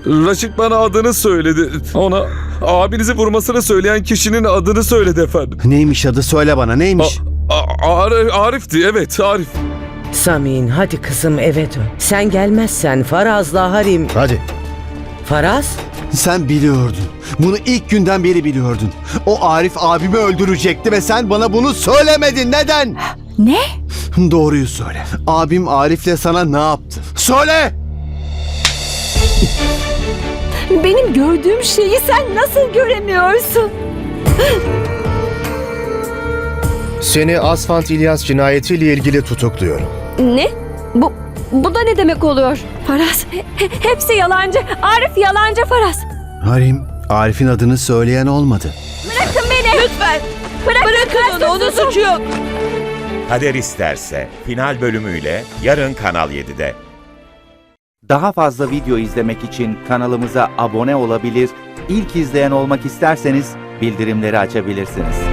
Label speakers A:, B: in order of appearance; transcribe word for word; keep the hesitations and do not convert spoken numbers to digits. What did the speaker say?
A: Raşit bana adını söyledi. Ona abinizi vurmasını söyleyen kişinin adını söyledi efendim.
B: Neymiş adı, söyle bana, neymiş?
A: A- A- Ar- Arif'ti, evet Arif.
C: Samin hadi kızım eve dön. Sen gelmezsen Faraz'la Harim...
B: Hadi.
C: Faraz?
B: Sen biliyordun. Bunu ilk günden beri biliyordun. O Arif abimi öldürecekti ve sen bana bunu söylemedin. Neden?
D: Ne?
B: Doğruyu söyle. Abim Arif'le sana ne yaptı? Söyle!
D: Benim gördüğüm şeyi sen nasıl göremiyorsun?
E: Seni Asfalt İlyas cinayetiyle ilgili tutukluyorum.
D: Ne? Bu bu da ne demek oluyor? Faraz, he- hepsi yalancı. Arif yalancı Faraz.
B: Harim, Arif'in adını söyleyen olmadı.
D: Bırakın beni. Lütfen. Bırak, Bırakın onu, onun suçu yok.
F: Kader İsterse final bölümüyle yarın Kanal yedide.
G: Daha fazla video izlemek için kanalımıza abone olabilir, ilk izleyen olmak isterseniz bildirimleri açabilirsiniz.